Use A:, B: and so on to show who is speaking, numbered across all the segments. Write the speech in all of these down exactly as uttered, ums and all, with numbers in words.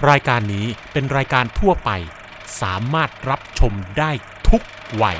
A: รายการนี้เป็นรายการทั่วไปสามารถรับชมได้ทุกวัย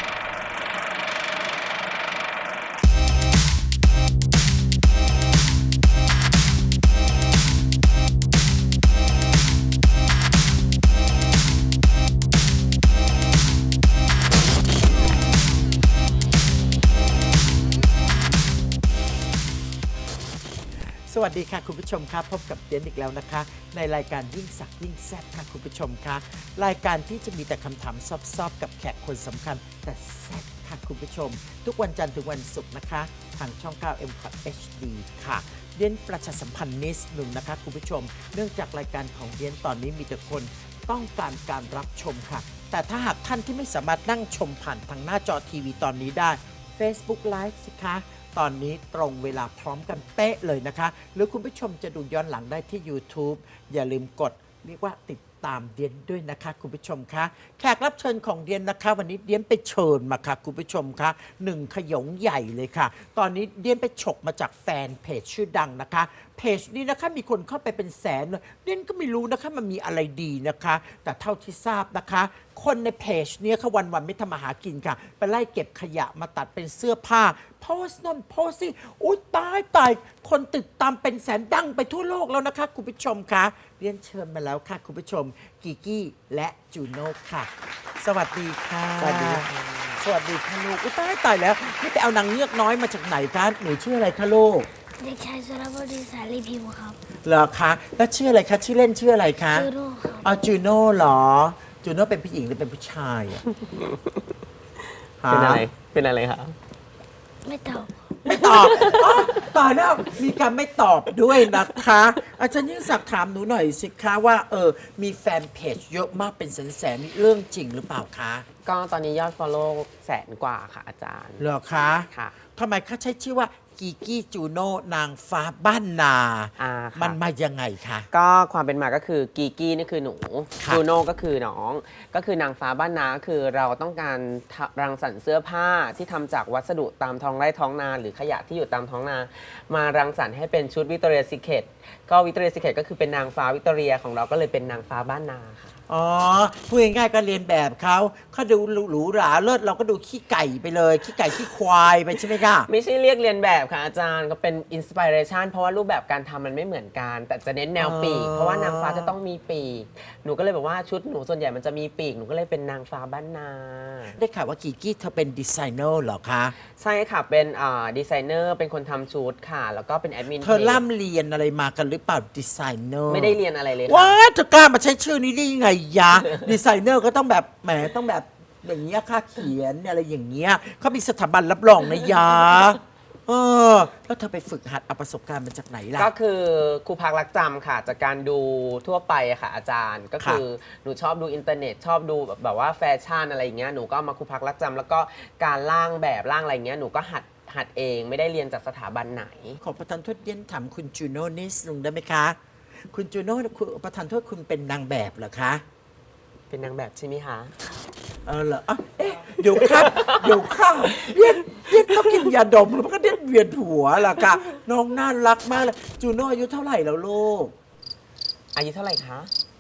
B: สวัสดีค่ะคุณผู้ชมครับพบกับเดียนอีกแล้วนะคะในรายการยิ่งสักยิ่งแซ่บค่ะคุณผู้ชมค่ะรายการที่จะมีแต่คำถามซอบๆกับแขกคนสำคัญแต่แซ่บค่ะคุณผู้ชมทุกวันจันทร์ถึงวันศุกร์นะคะทางช่อง เก้า เอ็ม คอท เอช ดี ค่ะเดียนประชาสัมพันธ์นิดหนึ่งนะคะคุณผู้ชมเนื่องจากรายการของเดียนตอนนี้มีแต่คนต้องการการรับชมค่ะแต่ถ้าหากท่านที่ไม่สามารถนั่งชมผ่านทางหน้าจอทีวีตอนนี้ได้ Facebook Live สิคะตอนนี้ตรงเวลาพร้อมกันเป๊ะเลยนะคะหรือคุณผู้ชมจะดูย้อนหลังได้ที่ YouTube อย่าลืมกดเรียกว่าติดตามเดียนด้วยนะคะคุณผู้ชมคะแขกรับเชิญของเดียนนะคะวันนี้เดียนไปเชิญมาค่ะคุณผู้ชมคะหนึ่งขยงใหญ่เลยค่ะตอนนี้เดียนไปฉกมาจากแฟนเพจชื่อดังนะคะเพจนี้นะคะมีคนเข้าไปเป็นแสนเลยเดียนก็ไม่รู้นะคะมันมีอะไรดีนะคะแต่เท่าที่ทราบนะคะคนในเพจนี้เขาวันวันไม่ทำมาหากินค่ะไปไล่เก็บขยะมาตัดเป็นเสื้อผ้าโพสต์นั่นโพสต์นี่อุ้ยตายตายคนติดตามเป็นแสนดังไปทั่วโลกแล้วนะคะคุณผู้ชมคะเรียนเชิญมาแล้วค่ะคุณผู้ชมกิกกี้และจูโน่ค่ะสวัสดีค่ะสวัสดีสวัสดีค่ะลูกอุ้ยตายตายแล้วนี่ไปเอานางเงือกน้อยมาจากไหนคะหนูชื่ออะไรคะลูก
C: เด็กชายสุรบดินสาลีพิมพ์ครับ
B: เหรอคะแล้วชื่ออะไรคะชื่อเล่นชื่ออะไรคะ
C: จูโน่ครับ
B: อ๋อจูโน่เหรอจูโน่เป็นผู้หญิงหรือเป็นผู้ชายอะ
D: เป็นอะไรเป็นอะไรครับ
C: ไม่ตอบ
B: ไม่ตอบอ๋อตายแล้วมีการไม่ตอบด้วยนะคะอาจารย์ยิ่งศักดิ์ถามหนูหน่อยสิคะว่าเออมีแฟนเพจเยอะมากเป็นแสนๆนี่เรื่องจริงหรือเปล่าคะ
D: ก็ตอนนี้ยอด follow แสนกว่าค่ะอาจารย์
B: เหรอคะ
D: ค่ะ
B: ทำไมเขาใช้ชื่อว่ากีกี้จูโน่นางฟ้าบ้านนา
D: อ่า
B: มันมายังไงคะ
D: ก็ความเป็นมาก็คือกีกี้นี่คือหนูจูโน่ก็คือน้องก็คือนางฟ้าบ้านนาคือเราต้องการรังสรรค์เสื้อผ้าที่ทำจากวัสดุตามท้องไร่ท้องนาหรือขยะที่อยู่ตามท้องนา มารังสรรค์ให้เป็นชุดวิกตอเรียซีเคร็ตก็วิกตอเรียซีเคร็ตก็คือเป็นนางฟ้าวิกตอเรียของเราก็เลยเป็นนางฟ้าบ้านนาค่ะ
B: อ๋อพูดง่ายๆก็เรียนแบบเขาเขาดูหรูหราเลิศเราก็ดูขี้ไก่ไปเลยขี้ไก่ขี้ควายไปใช่ไหมคะ
D: ไม่ใช่เรียกเรียนแบบค่ะอาจารย์ก็เป็นอินสปิเรชันเพราะว่ารูปแบบการทำมันไม่เหมือนกันแต่จะเน้นแนวปีกเพราะว่านางฟ้าจะต้องมีปีกหนูก็เลยบอกว่าชุดหนูส่วนใหญ่มันจะมีปีกหนูก็เลยเป็นนางฟ้าบ้านนา
B: ได้ข่าวว่ากีกี้เธอเป็นดีไซเนอร์เหรอคะ
D: ใช่ค่ะเป็นอ่าดีไซเนอร์เป็นคนทำชุดค่ะแล้วก็เป็นแอดมิน
B: เธอล่ำเรียนอะไรมากันหรือเปล่าดีไซเนอร์
D: ไม่ได้เรียนอะไรเลย
B: ว้าเธอกล้ามาใช้ชื่อนี้ได้ยังไงยะดีไซเนอร์ก็ต้องแบบแหมต้องแบบอย่างเงี้ยค่าเขียนอะไรอย่างเงี้ยเขามีสถาบันรับรองนะยะเออแล้วเธอไปฝึกหัดเอาประสบการณ์มาจากไหนล่ะ
D: ก็คือครูพักรักจำค่ะจากการดูทั่วไปอะค่ะอาจารย์ก็คือหนูชอบดูอินเทอร์เน็ตชอบดูแบบแบบว่าแฟชั่นอะไรอย่างเงี้ยหนูก็มาครูพักรักจำแล้วก็การร่างแบบร่างอะไรเงี้ยหนูก็หัดหัดเองไม่ได้เรียนจากสถาบันไหน
B: ขอประทานโทษเย็นถามคุณจูโน่นิดนึงได้ไหมคะคุณจูโน่คุณประทานโทษคุณเป็นนางแบบเหรอคะ
D: เป็นนางแบบใช่ไหมคะ
B: เออเหรอเอ๊ะเดี๋ยวครับเดี๋ยวข้าวเย็นเย็นต้องกินยาดมแล้วมันก็เด็ดเวียนหัวล่ะค่ะน้องน่ารักมากเลยจูโน่อายุเท่าไหร่แล้วลูก
D: อายุเท่าไหร่คะ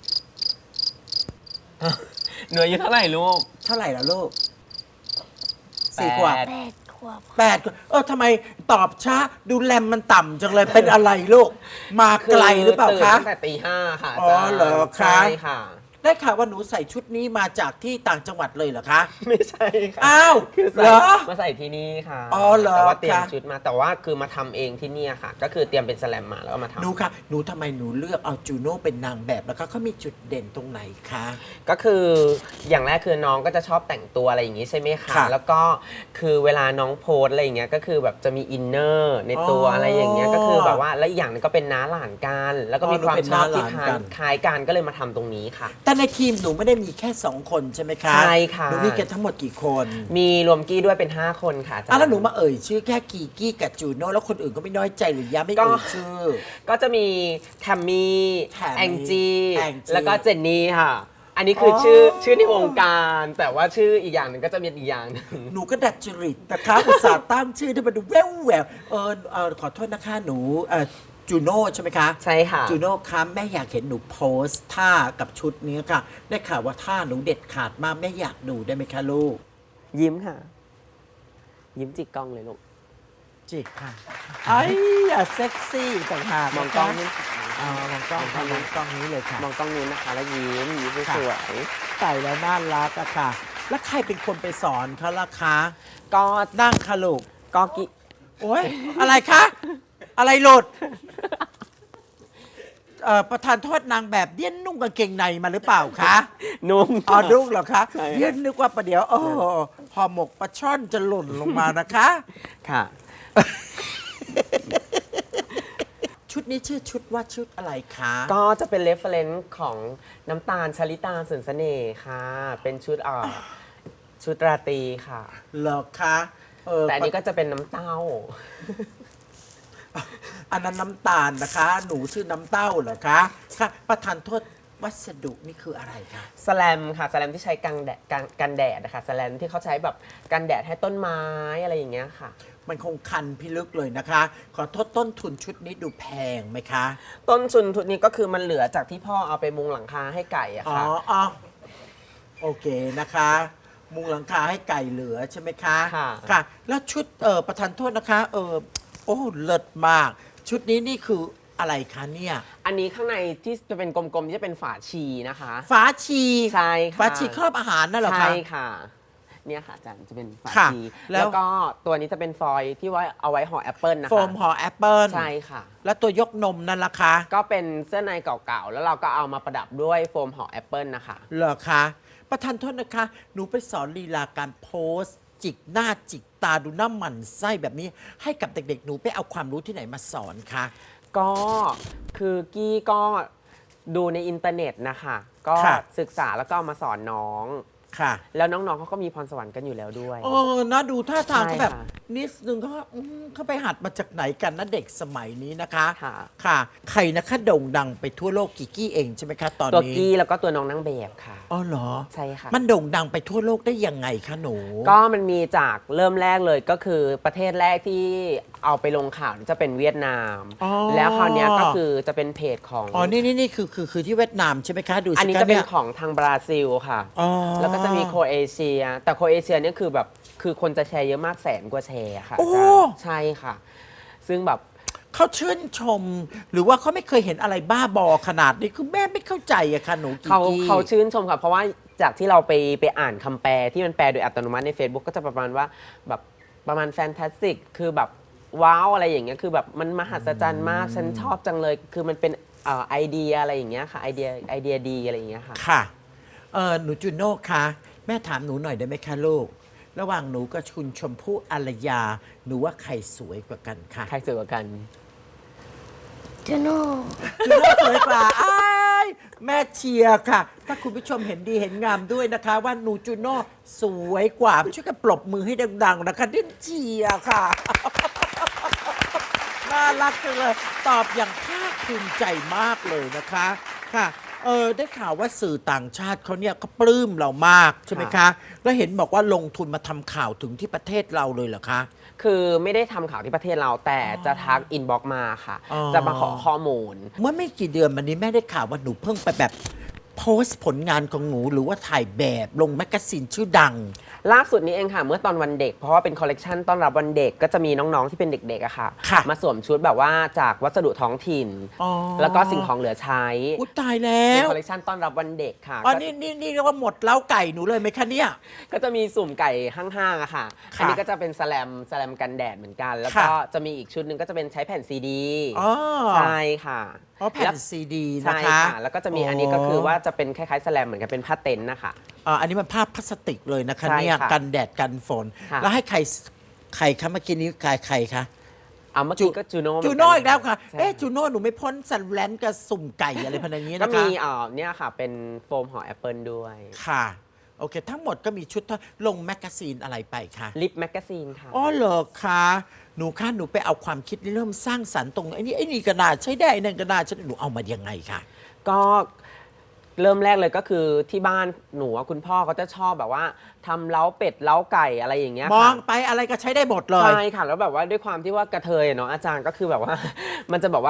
D: หนูอายุเท่าไหร่ลูก
B: เท่าไหร่แล้วลูกสี่ขวบ
C: แปดขวบ
B: แปดขวบเออทำไมตอบช้าดูแรมมันต่ำจังเลยเป็นอะไรลูกมาไกลหรือเปล่าคะ
D: ตั้งแต่ตีห้าค่ะ
B: อ๋อเหรอคะ
D: ใช่ค่ะ
B: ได้ข่าวว่าหนูใส่ชุดนี้มาจากที่ต่างจังหวัดเลยเหรอคะ
D: ไม่ใช่ค่ะ
B: อ้าว
D: คือ
B: เหรอ
D: มาใส่ที่นี่ค่ะ
B: อ๋อเหรอ
D: แต่ว่าเตรียมชุดมาแต่ว่าคือมาทำเองที่นี่ค่ะก็คือเตรียมเป็นสแลมมาแล้วก็มาทำ
B: หนูค่ะหนูทำไมหนูเลือกเอาจูโน่เป็นนางแบบแล้วก็เขามีจุดเด่นตรงไหนคะ
D: ก็คืออย่างแรกคือน้องก็จะชอบแต่งตัวอะไรอย่างนี้ใช่ไหมคะแล้วก็คือเวลาน้องโพสอะไรอย่างเงี้ยก็คือแบบจะมีอินเนอร์ในตัวอะไรอย่างเงี้ยก็คือแบบว่าและอีกอย่างนึงก็เป็นน้าหลานกันแล้วก็มีความชอบที่คล้ายกันก็เลยมาทำตรงนี้ค่ะ
B: แต่ในทีมหนูไม่ได้มีแค่สองคนใช่ไหมคะ
D: ใช่ค่ะ
B: หนูมีกันทั้งหมดกี่คน
D: มีรวมกี้ด้วยเป็นห้าคนค่ะ
B: อ่ะแล้วหนูมาเอ่ยชื่อแค่กีกี้กับจูโน่แล้วคนอื่นก็ไม่น้อยใจหรือยะไม่เอ่ยชื่อ
D: ก็จะมีแทมมี่แองจีแล้วก็เจนนี่ค่ะอันนี้คือชื่อชื่อในวงการแต่ว่าชื่ออีกอย่างหนึ่งก็จะมีอีกอย่างหนึ่ง
B: หนูก็ดัดจริตนะคะอุตส่าห์ตั้งชื่อที่มันดูแววแววเออเออขอโทษนะคะหนูเออจูโน่ใช่ไหมคะ
D: ใช่ค่ะ
B: จูโน่คะแม่อยากเห็นหนูโพสท่ากับชุดนี้ค่ะ ได้ข่าวว่าท่าหนูเด็ดขาดมากแม่อยากดูได้ไหมคะลูก
D: ยิ้มค่ะ ยิ้มจิกกล้องเลยลูก
B: จิกค่ะไอ้อย่าเซ็กซี่ต่างหาก
D: มองกล้อง
B: นะ
D: นี่
B: คะอ๋อมองกล้องค่ะมองกล้องนี้เลยค่ะ
D: มองกล้องนู้นนะคะ แล้วยิ้มยิ้มสวย
B: ใส่แล้วน่ารักอะค่ะ แล้วใครเป็นคนไปสอนเขาล่ะคะ
D: ๆก็
B: นั่งค่ะลูก
D: ก็กิ
B: โอ้ยอะไรคะ อะไรหลุดเอ่อประธานโทษนางแบบเดี้ยนนุ่งกางเกงในมาหรือเปล่าคะ
D: นุ่ม
B: อ๋อนุ่งเหรอคะ
D: ใช่
B: เดี้ยนนึกว่าประเดี๋ยวโอ้ห่อหมกปลาช่อนจะหล่นลงมานะคะ
D: ค่ะ
B: ชุดนี้ชื่อชุดว่าชุดอะไรคะ
D: ก็จะเป็นเรฟเฟรนซ์ของน้ำตาลชลิตาสินเสน่ห์ค่ะ เป็นชุดเอ่อชุดราตรีค่ะ
B: เหรอคะเออ
D: แต่อันนี้ก็จะเป็นน้ำเต้า
B: อันนั้นน้ำตาลนะคะ หนูชื่อน้ำเต้าเหรอคะค่ะประธานโทษวัสดุนี่คืออะไรคะ
D: สแลมค่ะสแลมที่ใช้กันแดดกันกันแดดนะคะสแลมที่เขาใช้แบบกันแดดให้ต้นไม้อะไรอย่างเงี้ยค่ะ
B: มันคงคันพิลึกเลยนะคะ ขอโทษต้นทุนชุดนี้ดูแพงไหมคะ
D: ต้นทุนทุนนี้ก็คือมันเหลือจากที่พ่อเอาไปมุงหลังคาให้ไก่อะ
B: อ๋อ
D: ค่ะ
B: อ๋อโอเคนะคะ มุงหลังคาให้ไก่เหลือใช่ไหมคะ
D: ค่ะ
B: ค่ะ แล้วชุดเออประธานโทษนะคะ เออโอ้เลิศมาก ชุดนี้นี่คืออะไรคะเนี่ย
D: อันนี้ข้างในที่จะเป็นกลมๆที่จะเป็นฝาชีนะคะ
B: ฝาชี
D: ใช่ค่ะ
B: ฝาชีครอบอาหารนั่นเหรอคะ
D: ใช่ค่ะ เนี่ยค่ะอาจารย์จะเป็นฝา
B: ค่ะ
D: ชี
B: แล้ว
D: แล้วก็ตัวนี้จะเป็นฟอยล์ที่ไว้เอาไว้ห่อแอปเปิลนะคะ
B: โฟมห่อแอปเปิล
D: ใช่ค่ะ
B: แล้วตัวยกนมนั่นล่ะคะ
D: ก็เป็นเสื้อในเก่าๆ แล้วเราก็เอามาประดับด้วยโฟมห่อแอปเปิลนะคะ
B: เหรอคะ ประธานโทษนะคะ หนูไปสอนลีลาการโพสต์ จิกหน้าจิกตาดูหน้าหมันไส้แบบนี้ ให้กับเด็กๆ หนูไปเอาความรู้ที่ไหนมาสอนคะ
D: ก็คือกี้ก็ดูในอินเทอร์เน็ตนะคะ ก็
B: ค่ะ
D: ศึกษาแล้วก็เอามาสอนน้อง
B: ค่ะ
D: แล้วน้องๆเขาก็มีพรสวรรค์กันอยู่แล้วด้วย
B: เออนะดูท่าทาง
D: ใช่
B: เขาแบบ
D: ค่ะ
B: นิดนึงเขาว่าอืมเขาไปหัดมาจากไหนกันนะเด็กสมัยนี้นะคะ
D: ค่ะ
B: ค่ะ ใครนะคะโด่งดังไปทั่วโลกกิกกี้เองใช่ไหมคะตอน
D: ตัว
B: นี้
D: กี้แล้วก็ตัวน้องนางแบบค่ะ
B: อ๋อเหรอ
D: ใช่ค่ะ
B: มันโด่งดังไปทั่วโลกได้ยังไงคะหนู
D: ก็มันมีจากเริ่มแรกเลยก็คือประเทศแรกที่เอาไปลงข่าวจะเป็นเวียดนาม
B: อ๋อ
D: แล้วคราวเนี้ยก็คือจะเป็นเพจของ
B: อ๋อ นี่นี่นี่คือคือคือที่เวียดนามใช่ไหมคะ ดูสิ
D: อันนี้
B: ค
D: จะเป็น
B: ย
D: ของทางบราซิลค่ะ
B: อ๋อ
D: แล้วก็จะมีโครเอเชีย แต่โครเอเชียเนี่ยคือแบบคือคนจะแชร์เยอะมากแสนกว่าแชร์ค่ะ
B: โอ้
D: อาจารย์ใช่ค่ะ ซึ่งแบบ
B: เขาชื่นชม หรือว่าเขาไม่เคยเห็นอะไรบ้าบอขนาดนี้ คือแม่ไม่เข้าใจอะค่ะหนูกิก
D: เขา
B: กี้
D: เขาชื่นชมค่ะ เพราะว่าจากที่เราไปไปอ่านคำแปลที่มันแปลโดยอัตโนมัติใน Facebook ก็จะประมาณว่าแบบประมาณแฟนตาสติกคือแบบว้าวอะไรอย่างเงี้ยคือแบบมันมหัศจรรย์มาก ฉันชอบจังเลย คือมันเป็นเอ่อไอเดียอะไรอย่างเงี้ยค่ะไอเดียไอเดียดีอะไรอย่างเงี้ยค่ะ
B: ค่ะ เออหนูจูโน่คะแม่ถามหนูหน่อยได้ไหมคะลูก ระหว่างหนูกับคุณชมพู่อารยา หนูว่าใครสวยกว่ากันคะ
D: ใครสวยกว่ากัน
C: จูโน่
B: จูโน่สวยกว่าอ้ายแม่เชียร์ค่ะ ถ้าคุณผู้ชมเห็นดีเห็นงามด้วยนะคะ ว่าหนูจูโน่สวยกว่าช่วยกันปรบมือให้ดัง ๆ นะคะดิ้นเชียร์ค่ะ น่ารักจังเลย ตอบอย่างภาคภูมิใจมากเลยนะคะค่ะเออได้ข่าวว่าสื่อต่างชาติเขาเนี่ยก็ปลื้มเรามากใช่ไหมคะ แล้วเห็นบอกว่าลงทุนมาทำข่าวถึงที่ประเทศเราเลยเหรอคะ
D: คือไม่ได้ทำข่าวที่ประเทศเราแต่จะทักอินบ็อกมาค่ะ
B: อ๋อ
D: จะมาขอข้อมูล
B: เมื่อไม่กี่เดือนมานี้แม่ได้ข่าวว่าหนูเพิ่งไปแบบโพสต์ผลงานของหนูหรือว่าถ่ายแบบลงแมกกาซีนชื่อดัง
D: ล่าสุดนี้เองค่ะ เมื่อตอนวันเด็ก เพราะว่าเป็นคอลเลกชันต้อนรับวันเด็กก็จะมีน้องๆที่เป็นเด็กๆอะค่ะ
B: ค่ะ
D: มาสวมชุดแบบว่าจากวัสดุท้องถิ่น
B: อ๋อ
D: แล้วก็สิ่งของเหลือใช้
B: อุ๊ยตายแล้
D: เป็น
B: ว
D: คอลเลกชันต้อนรับวันเด็กค่ะ
B: อ๋อ
D: ก็
B: นี่นี่นี่เรียกว่าหมดเล้าไก่หนูเลยไหมคะเนี่ย
D: ก็จะมีสุ่มไก่ห้างๆอะค่ะ
B: ค่ะ
D: อันนี้ก็จะเป็นสแลมสแลมกันแดดเหมือนกัน แล้ว
B: ค่ะ
D: ก็จะมีอีกชุดหนึ่งก็จะเป็นใช้แผ่นซีดี
B: อ๋อ
D: ใช่ค่ะ
B: อ๋อแผ่
D: แล้
B: น
D: ว
B: ซีดีนะ
D: ใช่
B: คะ
D: ค่ะ แล้วก็จะมีอันนี้ก็คือว่าจะเป็นคล้ายๆสแลมเหมือนกันเป็นผ้าเต็นท์นะคะ
B: อ่าอันนี้มันภาพพลาสติกเลยนะคะ
D: ใช่
B: เนี่ย
D: ค่ะ
B: กันแดดกันฝน
D: ค่ะ
B: แล้วให้ใครใครคะเมื่อกี้นี้ใครใครคะ
D: เอาเมื่อกี้ก็จูโน่
B: จูโน่อีกแล้วค่ะ
D: ใช่
B: เอ๊ะจูโน่หนูไม่พ้นสันแลนกับสุ่มไก่อะไรพนันนี้
D: ก็
B: นะคะ
D: มีเอ่อเนี่ยค่ะเป็นโฟมห่อแอปเปิลด้วย
B: ค่ะ โอเค ทั้งหมดก็มีชุดเท่าลงแมกกาซีนอะไรไปคะ
D: ลิปแมกกาซีนค่ะ
B: อ๋อเหรอคะหนูคะหนูไปเอาความคิดเริ่มสร้างสรรค์ตรงไอ้นี่ไอ้นี่ก็น่าใช้ได้ไอ้นั่นก็น่าใช้ได้หนูเอามายังไงคะ
D: ก็เริ่มแรกเลยก็คือที่บ้านหนูอะคุณพ่อเขาจะชอบแบบว่าทำเล้าเป็ดเล้าไก่อะไรอย่างเงี้ย
B: มอ
D: ค่ะ
B: งไปอะไรก็ใช้ได้หมดเลย
D: ใช่ค่ะแล้วแบบว่าด้วยความที่ว่ากระเทยอะเนาะอาจารย์ก็คือแบบว่า มันจะแบบว่า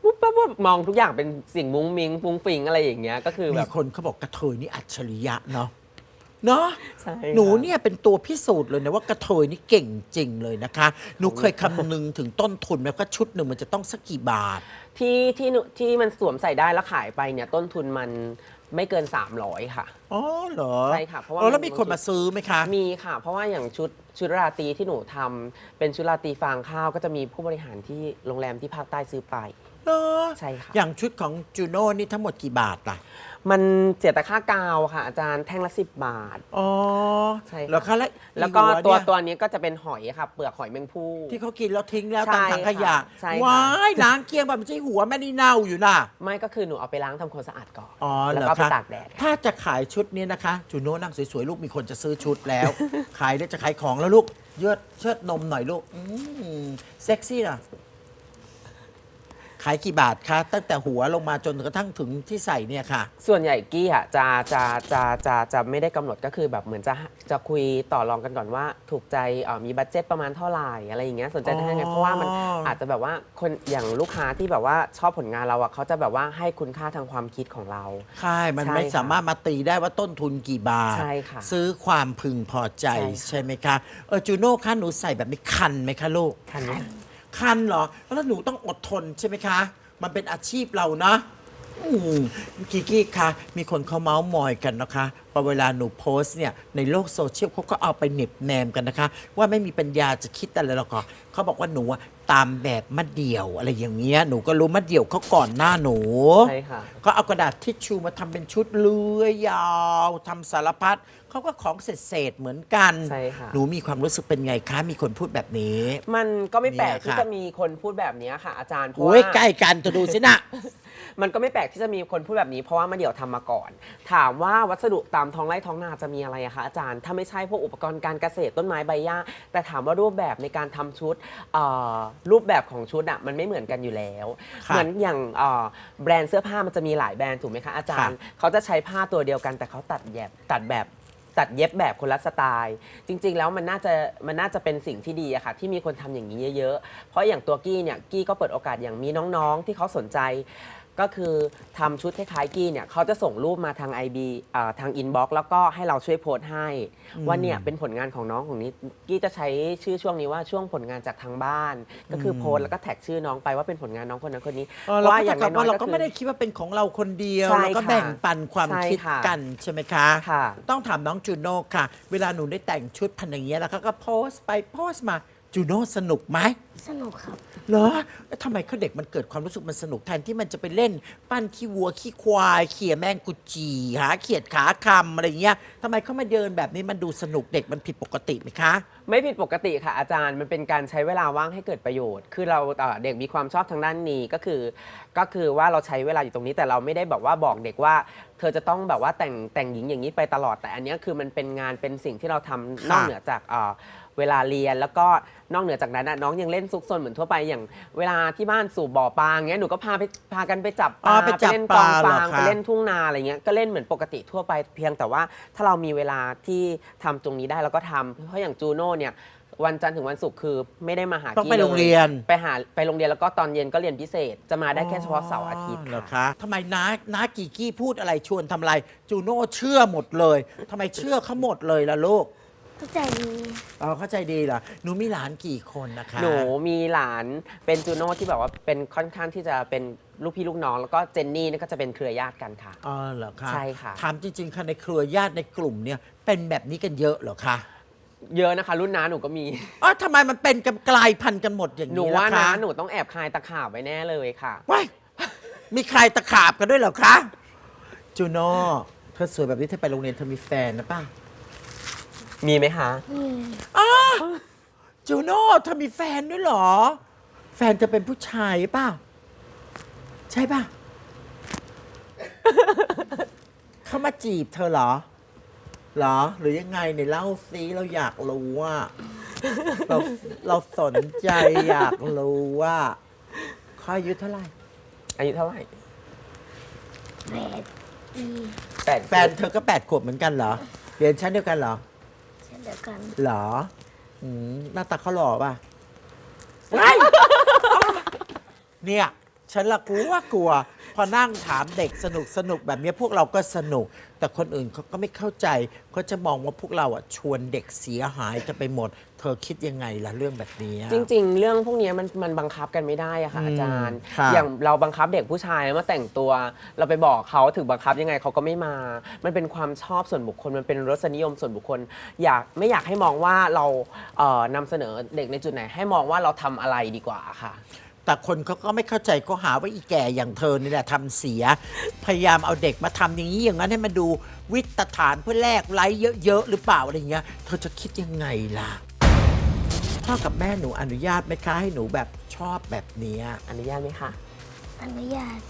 D: ปุ๊บปั๊บปุ๊บมองทุกอย่างเป็นสิ่งมุ้งมิ้งฟุ้งฟิงอะไรอย่างเงี้ยก็คือแบ
B: มี
D: บ
B: คนเขาบอกกระเทยนี่อัจฉริยะเนาะเนาะ
D: ใช่
B: หนู
D: ค่ะ
B: เนี่ยเป็นตัวพิสูจน์เลยนะว่ากระเทยนี่เก่งจริงเลยนะคะ หนูเคยคำนึงถึงต้นทุนไหมว่าชุดหนึ่งมันจะต้องสักกี่บาท
D: ที่ที่หนูที่มันสวมใส่ได้แล้วขายไปเนี่ยต้นทุนมันไม่เกิน สามร้อย ค่ะ
B: อ๋อเหรอ
D: ใช่ค่ะเพราะว่า
B: ออแล้ว
D: มัน
B: มีคนมาซื้อไหมคะ
D: มีค่ะ เพราะว่าอย่างชุดชุดราตรีที่หนูทำเป็นชุดราตรีฟางข้าวก็จะมีผู้บริหารที่โรงแรมที่ภาคใต้ซื้อไป
B: เหรอ
D: ใช่ค่ะ
B: อย่างชุดของจูโน่นี่ทั้งหมดกี่บาทล่ะ
D: มันเสียแต่ค่ากาวค่ะ อาจารย์แท่งละสิบบาท
B: อ๋อ
D: ใช่ค่ะ
B: แล้วคะแล้ว
D: แล้วก็
B: อี
D: ตัว
B: เนี่ย
D: ตัวนี้ก็จะเป็นหอยค่ะ เปลือกหอยแมงภู่
B: ที่เขากินแล้วทิ้งแล้ว
D: ใช่
B: ตามถังขยะ
D: ค่ะใช่ค่ะ
B: ว้ายล้างเกลียงแบบไม่ใช่หัวแม่นี่เน่าอยู่น่ะ
D: ไม่ก็คือหนูเอาไปล้างทำความสะอาดก่อน
B: อ๋อ
D: แล้ว
B: เหรอ
D: ก็ไป
B: คะ
D: ตากแดดค่ะ
B: ถ้าจะขายชุดนี้นะคะ จูโน่นั่งสวยๆ ลูกมีคนจะซื้อชุดแล้ว ขายแล้วจะขายของแล้วลูก เยืดเชิดนมหน่อยลูกอืมเซ็กซี่นะขายกี่บาทคะ ตั้งแต่หัวลงมาจนกระทั่งถึงที่ใส่เนี่ยค่ะ
D: ส่วนใหญ่กี้อ่ะจะจะจะจะจะไม่ได้กำหนดก็คือแบบเหมือนจะจะคุยต่อรองกันก่อนว่าถูกใจเอ่อมีบัตเจ็ตประมาณเท่าไหร่อะไรอย่างเงี้ยสนใจได้ไง
B: อ๋อ
D: เพราะว่ามันอาจจะแบบว่าคนอย่างลูกค้าที่แบบว่าชอบผลงานเราอ่ะเขาจะแบบว่าให้คุณค่าทางความคิดของเรา
B: ใช่ มัน
D: ใช่
B: ไม่
D: ค่ะ
B: สามารถมาตีได้ว่าต้นทุนกี่บาท
D: ใช่ค่ะ
B: ซื้อความพึงพอใจ
D: ใช่ค่ะ
B: ใช่ไหมคะ เออจูโน่คะหนูใส่แบบนี้คันไหมคะลูก
D: คันนี้
B: คันเหรอ แล้วหนูต้องอดทนใช่ไหมคะ มันเป็นอาชีพเรานะอืมกิกกี้คะมีคนเขาเมาส์มอยกันนะคะพอเวลาหนูโพสต์เนี่ยในโลกโซเชียลเขาก็เอาไปเหน็บแนมกันนะคะ ว่าไม่มีปัญญาจะคิดอะไรหรอกค่ะเขาบอกว่าหนูอะตามแบบมะเดี่ยวอะไรอย่างเงี้ยหนูก็รู้มะเดี่ยวเขาก่อนหน้าหนู
D: ใช่ค่ะ
B: ก็เอากระดาษทิชชูมาทำเป็นชุดเลื้อยยาวทำสารพัดเขาก็ของเศษๆเหมือนกัน
D: ใช่ค่ะ
B: หนูมีความรู้สึกเป็นไงคะมีคนพูดแบบนี้
D: มันก็ไม่แปลก
B: เนี่ย
D: ที่
B: ค่ะ
D: จะมีคนพูดแบบนี้ค่ะ อาจารย์เพราะ
B: โอ้ย
D: ว่า
B: ใกล้กันจะดูสินะ
D: มันก็ไม่แปลกที่จะมีคนพูดแบบนี้เพราะว่ามาเดี่ยวทำมาก่อน ถามว่าวัสดุตามท้องไร่ท้องนาจะมีอะไรอะคะอาจารย์ถ้าไม่ใช่พวกอุปกรณ์การเกษตรต้นไม้ใบหญ้าแต่ถามว่ารูปแบบในการทำชุดเอ่อรูปแบบของชุดอะมันไม่เหมือนกันอยู่แล้ว
B: ค่ะ
D: เหมือนอย่างเอ่อแบรนด์เสื้อผ้ามันจะมีหลายแบรนด์ถูกไหมคะอาจารย์ เขาจะใช้ผ้าตัวเดียวกันแต่เขาตัดแยบตัดแบบตัดเย็บแบบคนละสไตล์ จริง ๆ แล้วมันน่าจะมันน่าจะเป็นสิ่งที่ดีอะค่ะที่มีคนทำอย่างนี้เยอะๆ เพราะอย่างตัวกี้เนี่ยกี้ก็เปิดโอกาสอย่างมีน้องๆ ที่เขาสนใจ ก็คือทำชุดคล้ายๆกี้เนี่ยเขาจะส่งรูปมาทาง ไอ บี อ่าทางอินบ็อกซ์แล้วก็ให้เราช่วยโพสต์ให้ ว่าเนี่ยเป็นผลงานของน้องของนี้กี้จะใช้ชื่อช่วงนี้ว่าช่วงผลงานจากทางบ้าน ก็คือโพสต์แล้วก็แท็กชื่อน้องไปว่าเป็นผลงานน้องคนนั้นคนนี้
B: เออเราก็
D: อ
B: จะ
D: ย่าง
B: กลับ
D: น้อ
B: ว่าย เรา
D: ๆ
B: ก็
D: คือ
B: ไม่ได้คิดว่าเป็นของเราคนเดียว
D: ใช่
B: เราก็
D: ค่ะ
B: แบ่งปันความ
D: ใช่
B: คิด
D: ค่ะ
B: กันใช่ไหมคะ
D: ค่ะ
B: ต้องถามน้องจูโน่ค่ะ เวลาหนูได้แต่งชุดพันอย่างเงี้ยแล้วเขาก็โพสต์ไปโพสต์มาจูโน่สนุกไหม
C: สนุกครับ
B: เหรอแล้วทำไมเขาเด็กมันเกิดความรู้สึกมันสนุกแทนที่มันจะไปเล่น ปั้นขี้วัวขี้ควายเขี่ยแมงกุจีหาเขียดขาคำอะไรเงี้ยทำไมเขามาเดินแบบนี้มันดูสนุกเด็กมันผิดปกติไหมคะ
D: ไม่ผิดปกติค่ะอาจารย์มันเป็นการใช้เวลาว่างให้เกิดประโยชน์ คือเราเอ่อเด็กมีความชอบทางด้านนี้ก็คือ ก็คือว่าเราใช้เวลาอยู่ตรงนี้แต่เราไม่ได้แบบว่าบอกเด็กว่า เธอจะต้องแบบว่าแต่งแต่งหญิงอย่างนี้ไปตลอดแต่อันเนี้ยคือมันเป็นงานเป็นสิ่งที่เราทำนอกเหนือจากเอ่อเวลาเรียนแล้วก็นอกเหนือจากนั้นน่ะน้องยังเล่นซุกซนเหมือนทั่วไปอย่างเวลาที่บ้านสู่บ่อปลาอย่างเงี้ยหนูก็พาไปพากันไปจับป
B: อ๋
D: ลา
B: อไปจับ
D: เล่นกอง
B: ปลาเหรอ
D: ฟาง
B: คะ
D: ไปเล่นทุ่งนาอะไรเงี้ยก็เล่นเหมือนปกติทั่วไปเพียงแต่ว่าถ้าเรามีเวลาที่ทำตรงนี้ได้เราก็ทำเพราะอย่างจูโน่เนี่ยวันจันทร์ถึงวันศุกร์คือไม่ได้มาหา
B: ต้อง
D: กี้
B: ไป
D: ล
B: โรงเรียน
D: ไปหาไปโรงเรียนแล้วก็ตอนเย็นก็เรียนพิเศษ จะมาได้แค่เฉพาะเสาร์อาทิตย์
B: เหรอ
D: ค่ะ
B: คะทำไมน้าน้ากีกี้พูดอะไรชวนทำอะไร จูโน่เชื่อหมดเลยทำไมเชื่อเขาหมดเลยล่ะลูก
C: เข้าใจดี
B: อ๋อเข้าใจดีเหรอหนูมีหลานกี่คนนะคะ
D: หนูมีหลานเป็นจูโน่ที่แบบว่าเป็นค่อนข้างที่จะเป็นลูกพี่ลูกน้องแล้วก็เจนนี่นี่ก็จะเป็นเครือญาติกันค่ะ
B: อ๋อเหรอคะ
D: ใช่ค่ะ
B: ถามจริงๆค่ะในเครือญาติในกลุ่มเนี่ยเป็นแบบนี้กันเยอะเหรอคะ
D: เยอะนะคะ รุ่นน้าหนูก็มี
B: อ๋อทำไมมันเป็นกันกลายพันธุ์กันหมดอย่าง
D: หนู
B: นี้
D: ว่า
B: ล่ะ
D: นะ
B: คะ
D: หนูต้องแอบคายตะขาบไว้แน่เลยค่ะ
B: ว้ายมีใครตะขาบกันด้วยเหรอคะจูโน่เธอสวยแบบนี้เธอไปโรงเรียนเธอมีแฟนนะป่ะ
D: มีไหมคะ
C: นี่
B: จูโน่เธอมีแฟนด้วยเหรอ แฟนจะเป็นผู้ชายป่ะใช่ป่ะ เขามาจีบเธอเหรอเหรอ หรือยังไงเนี่ยเล่าซิเราอยากรู้ว่า เราเราสนใจอยากรู้ว่าเขาอายุเท่าไหร่
D: อายุเท่าไหร่
C: แปดปี
D: แปด
B: แฟนเธอก็แปดขวบเหมือนกันเหรอ เรียนชั้นเดียวกันเหรอ
C: เช่นเดียวกัน
B: เหรออืมหน้าตาเขาหล่อป่ะ เนี่ยฉันละกลัวกลัว พอนั่งถามเด็กสนุกสนุกแบบนี้พวกเราก็สนุก แต่คนอื่นเขาก็ไม่เข้าใจเขาจะมองว่าพวกเราอ่ะชวนเด็กเสียหายจะไปหมด เธอคิดยังไงล่ะเรื่องแบบนี้
D: จริงๆ เรื่องพวกนี้มันมันบังคับกันไม่ได้อะค่ะอาจารย์
B: ค่ะ
D: อย่างเราบังคับเด็กผู้ชายมาแต่งตัว เราไปบอกเขาถึงบังคับยังไงเขาก็ไม่มา มันเป็นความชอบส่วนบุคคลมันเป็นรสนิยมส่วนบุคคล อยากไม่อยากให้มองว่าเราเอ่อนำเสนอเด็กในจุดไหน ให้มองว่าเราทำอะไรดีกว่าค่ะ
B: แต่คนเขาก็ไม่เข้าใจก็หาว่าอีแก่อย่างเธอนี่แหละทำเสีย พยายามเอาเด็กมาทำอย่างนี้อย่างนั้นให้มันดูวิตฐานเพื่อแลกไลค์เยอะๆหรือเปล่าอะไรเงี้ยเธอจะคิดยังไงล่ะพ่อกับแม่หนูอนุญาตไหมคะให้หนูแบบชอบแบบเนี้ย
D: อนุญาตไหมคะ
C: อนุญาต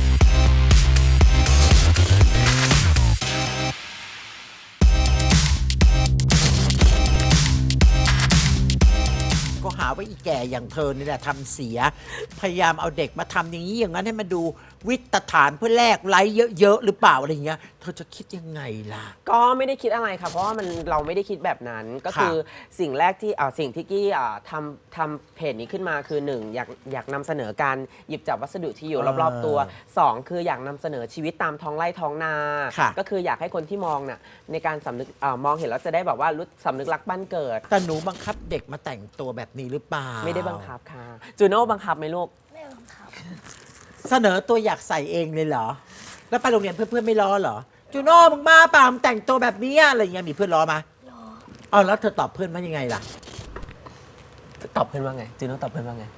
B: ก็หาว่าอีแก่อย่างเธอนี่แหละทำเสีย พยายามเอาเด็กมาทำอย่างนี้อย่างนั้นให้มันดูวิตฐานเพื่อแลกไลค์เยอะๆหรือเปล่าอะไรเงี้ยเธอจะคิดยังไงล่ะ
D: ก็ไม่ได้คิดอะไรค่ะ เพราะว่ามันเราไม่ได้คิดแบบนั้น ก็คือสิ่งแรกที่อ่าสิ่งที่กี้อ่าทำทำเพจนี้ขึ้นมาคือหนึ่งอยากอยากนำเสนอการหยิบจับวัสดุที่อยู่
B: อ่าร
D: อบๆตัวสองคืออยากนำเสนอชีวิตตามท้องไร่ท้องนา
B: ค่ะ
D: ก็คืออยากให้คนที่มองน่ะในการสำนึกอามองเห็นแล้วจะได้แบบว่ารู้สำนึกรักบ้านเกิด
B: แต่หนูบังคับเด็กมาแต่งตัวแบบนี้หรือเปล่า
D: ไม่ได้บังคับค่ะจูโน่บังคับไหมลูก
C: ไม่บังคับ
B: เสนอตัวอยากใส่เองเลยเหรอ แล้วไปโรงเรียนเพื่อนๆไม่ล้อเหรอจูโน่มึงบ้าเปล่ามึงแต่งตัวแบบนี้อะไรเงี้ยมีเพื่อนล้อมา
C: รอ
B: เอาแล้วเธอตอบเพื่อนว่ายังไงล่ะ
D: ตอบเพื่อนว่าไงจูโน่ตอบเพื่อนว่าไง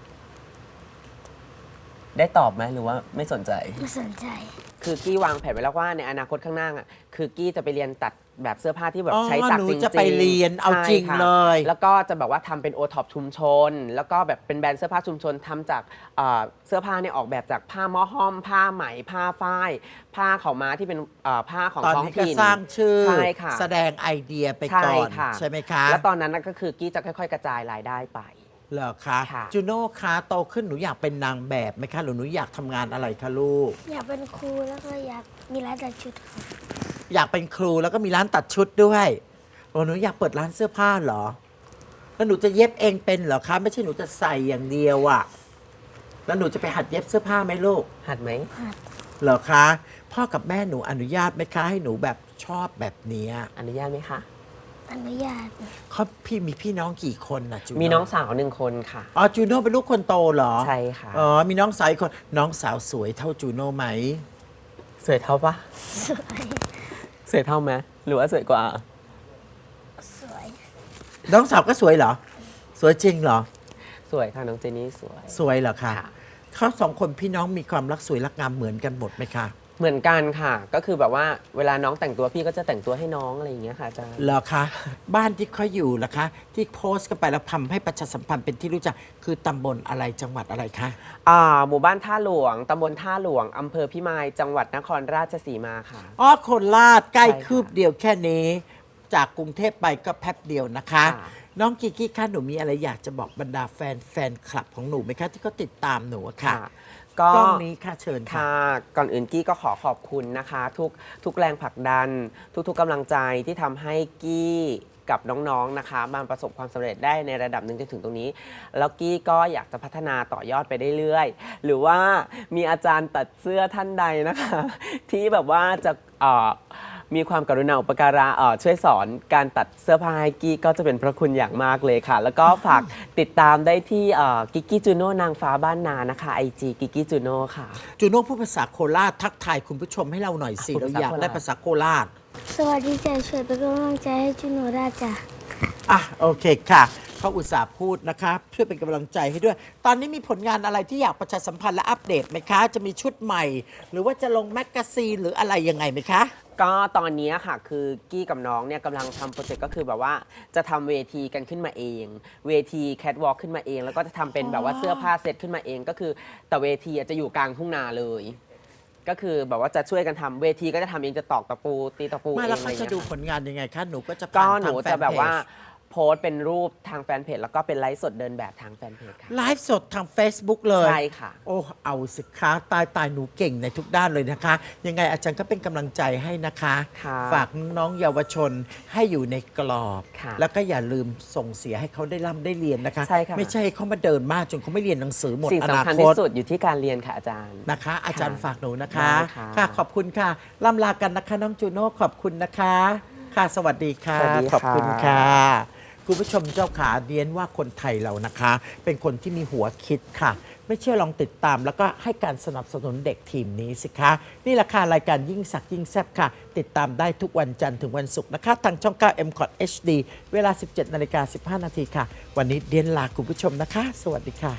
D: ได้ตอบไหมหรือว่าไม่สนใจ
C: ไม่สนใจ
D: คือกี้วางแผนไว้แล้วว่าในอนาคตข้างหน้าอ่ะคือกี้จะไปเรียนตัดแบบเสื้อผ้าที่แบบ
B: อ๋อ
D: ใช้ตัด
B: หนู
D: จริงๆ
B: จะไปเรียนเอาจริง
D: ใช่ค่ะ
B: เลย
D: แล้วก็จะแบบว่าทำเป็นโอท็อปชุมชน แล้วก็แบบเป็นแบรนด์เสื้อผ้าชุมชนทำจากเอ่อเสื้อผ้าเนี่ยออกแบบจากผ้าหม้อห้อม ผ้าไหมผ้าฝ้าย ผ้าขาวม้าที่เป็นเอ่อผ้าของ
B: ตอน
D: ท้อง
B: นี้ก็
D: ถิ่น
B: สร้างชื่อ
D: ใช่ค่ะ
B: แสดงไอเดียไป
D: ใช่
B: ก่อน
D: ค่ะ
B: ใช่ไหมคะ
D: แล้วตอนนั้นน่ะก็คือกี้จะค่อยๆ กระจายรายได้ไป
B: เหรอคะ
D: ค่ะ
B: จูโน่คะโตขึ้นหนูอยากเป็นนางแบบไหมคะหรือหนูอยากทำงานอะไรคะลูก
C: อยากเป็นครูแล้วก็อยากมีร้านตัดชุดครับ
B: อยากเป็นครูแล้วก็มีร้านตัดชุดด้วยโอ้หนูอยากเปิดร้านเสื้อผ้าเหรอ แล้วหนูจะเย็บเองเป็นเหรอคะ ไม่ใช่หนูจะใส่อย่างเดียวอะแล้วหนูจะไปหัดเย็บเสื้อผ้าไหมลูก
D: หัดไหม
B: เหรอคะ พ่อกับแม่หนูอนุญาตไหมคะให้หนูแบบชอบแบบเนี้ย
D: อนุญาตไหมคะ
C: อนุญาต
B: เขาพี่มีพี่น้องกี่คนนะจูโน่
D: มีน้องสาวหนึ่งคนค่ะ
B: อ๋อจูโน่เป็นลูกคนโตเหรอ
D: ใช่ค่ะ
B: อ๋อมีน้องสาวอีกคนน้องสาวสวยเท่าจูโน่ไหม
D: สวยเท่าปะ
C: สวย
D: สวยเท่าไหมหรือว่าสวยกว่า
C: สวย
B: น้องสาวก็สวยเหรอ สวยจริงเหรอ
D: สวยค่ะน้องเจนี่สวย
B: สวยเหรอคะ
D: ค่ะ
B: เขาสองคนพี่น้องมีความรักสวยรักงามเหมือนกันหมดไหมคะ
D: เหมือนกันค่ะ ก็คือแบบว่าเวลาน้องแต่งตัวพี่ก็จะแต่งตัวให้น้องอะไรอย่างเงี้ยค่ะอาจารย์
B: เหรอคะ บ้านที่เขาอยู่ล่ะคะ ที่โพสต์กันไปแล้วทำให้ประชาสัมพันธ์เป็นที่รู้จักคือตำบลอะไรจังหวัดอะไรคะ
D: อ่าหมู่บ้านท่าหลวงตำบลท่าหลวงอำเภอพิมายจังหวัดนครราชสีมาค่ะ
B: อ๋อโคราชใกล้
D: ใช่ค่ะ
B: คืบเดียวแค่นี้ จากกรุงเทพไปก็แป๊บเดียวนะคะ
D: ค่ะ
B: น้องกิกกี้คะหนูมีอะไรอยากจะบอกบรรดาแฟนแฟนคลับของหนูไหมคะ ที่เขาติดตามหนูอะค่ะ
D: ก็
B: กล้องนี้ค่ะเชิญค่ะ
D: ค่ะก่อนอื่นกี้ก็ขอขอบคุณนะคะ ทุกทุกแรงผลักดัน ทุกๆกำลังใจที่ทำให้กี้กับน้องๆนะคะมาประสบความสำเร็จได้ในระดับหนึ่งจนถึงตรงนี้ แล้วกี้ก็อยากจะพัฒนาต่อยอดไปได้เรื่อยๆหรือว่ามีอาจารย์ตัดเสื้อท่านใดนะคะ ที่แบบว่าจะเอ่อมีความกรุณาอุปการะเอ่อช่วยสอนการตัดเสื้อผ้าให้กี้ก็จะเป็นพระคุณอย่างมากเลยค่ะ แล้วก็ฝากติดตามได้ที่กิกกี้จูโน่นางฟ้าบ้านนานะคะไอจีกิกกี้จูโน่ค่ะ
B: จูโน่พูดภาษาโคราชทักทายคุณผู้ชมให้เราหน่อยสิ
D: พูด
B: เรา
D: ภาษา
B: อยากได้
D: โคราช
B: ภาษาโคราช
C: สวัสดีจ้ะช่วยเป็นกำลังใจให้จุนโนราจ้ะ
B: อ่ะโอเคค่ะเขาอุตส่าห์พูดนะคะช่วยเป็นกำลังใจให้ด้วย ตอนนี้มีผลงานอะไรที่อยากประชาสัมพันธ์และอัปเดตไหมคะ จะมีชุดใหม่ หรือว่าจะลงแมกกาซีนหรืออะไรยังไงไหมคะ
D: ก็ตอนนี้ค่ะคือกี้กับน้องเนี่ยกำลังทำโปรเจกต์ก็คือแบบว่าจะทำเวทีกันขึ้นมาเอง เวทีแคทวอล์กขึ้นมาเอง แล้วก็จะทำเป็นแบบว่าเสื้อผ้าเซตขึ้นมาเอง ก็คือแต่เวทีอ่ะจะอยู่กลางทุ่งนาเลย ก็คือแบบว่าจะช่วยกันทำเวทีก็จะทำเองจะตอกตะปูตีตะปูเอ
B: ไม่
D: ง
B: แล้ว
D: อะไร
B: เขา
D: อย่าง
B: จะ
D: เงี้ย
B: ดู
D: ค่ะ
B: ผลงานยังไงคะ หนูก็จะ
D: ก็
B: ผ่าน
D: ห
B: ทา
D: นู
B: งแฟ
D: จะ
B: น
D: แบบ
B: เพ
D: ว่า
B: จ
D: โพสต์เป็นรูปทางแฟนเพจแล้วก็เป็นไลฟ์สดเดินแบบทางแฟนเพจค่ะ
B: ไลฟ์สดทาง Facebook เลย
D: ใช่ค่ะ
B: โอ้เอาสิคะตายตายหนูเก่งในทุกด้านเลยนะคะ ยังไงอาจารย์ก็เป็นกำลังใจให้นะคะ
D: ค่ะ
B: ฝากน้องๆเยาวชนให้อยู่ในกรอบ
D: ค่ะ
B: แล้วก็อย่าลืมส่งเสียให้เขาได้ร่ำได้เรียนนะคะ
D: ใช่ค่ะ
B: ไม่ใช่ให้เขามาเดินมากจนเขาไม่เรียนหนังสือหมด
D: สิ่ง
B: อนา
D: สำคัญ
B: ค
D: ที่
B: ต
D: สุดอยู่ที่การเรียนค่ะอาจารย์
B: นะคะ อาจารย์ฝากหนูนะคะ
D: ได้ค่ะ
B: ค่ะขอบคุณค่ะล่ำลากันนะคะน้องจูโน่ขอบคุณนะคะ ค่ะสวัสดีค่ะ
D: สวัสดีค่ะ
B: ขอบคุณค่ะ คุณผู้ชมเจ้าขาเรียนว่าคนไทยเรานะคะ เป็นคนที่มีหัวคิดค่ะ ไม่เชื่อลองติดตามแล้วก็ให้การสนับสนุนเด็กทีมนี้สิคะ นี่แหละค่ะรายการยิ่งสักยิ่งแซ่บค่ะ ติดตามได้ทุกวันจันทร์ถึงวันศุกร์นะคะ ทางช่อง เก้า เอ็ม คอท เอช ดี เวลา สิบเจ็ดนาฬิกาสิบห้านาทีค่ะ วันนี้เดียนลาคุณผู้ชมนะคะ สวัสดีค่ะ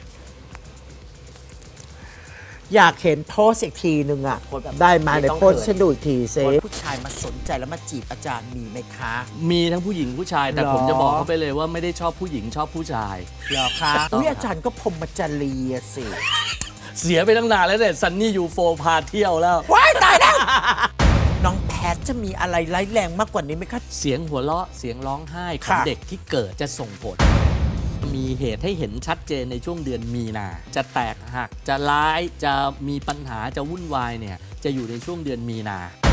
B: อยากเห็นโพสอีกทีหนึ่งอ่ะ
D: โพสแบบ
B: ได้มา
D: ไม่
B: ใน
D: ต้อง
B: โพส
D: เขิน
B: ฉันดูอีกทีเซผู้ชายมาสนใจแล้วมาจีบอาจารย์มีไหมคะ
E: มีทั้งผู้หญิงผู้ชายแต่
B: หรอ
E: ผมจะบอกเขาไปเลยว่าไม่ได้ชอบผู้หญิงชอบผู้ชาย
B: เหรอคะอุ้ยอาจารย์ก็พรหมจารีอะสิ
E: เสียไปตั้งนานแล้วเนี่ยซันนี่ยูโฟพาเที่ยวแล้ว
B: ว้ายตายแล้ว น้องแพทจะมีอะไรร้ายแรงมากกว่านี้ไหมคะ
E: เสียงหัวเราะเสียงร้องไห้ของ
B: ค่ะ
E: เด็กที่เกิดจะส่งผล มีเหตุให้เห็นชัดเจนในช่วงเดือนมีนา จะแตกหักจะร้ายจะมีปัญหาจะวุ่นวายเนี่ยจะอยู่ในช่วงเดือนมีนา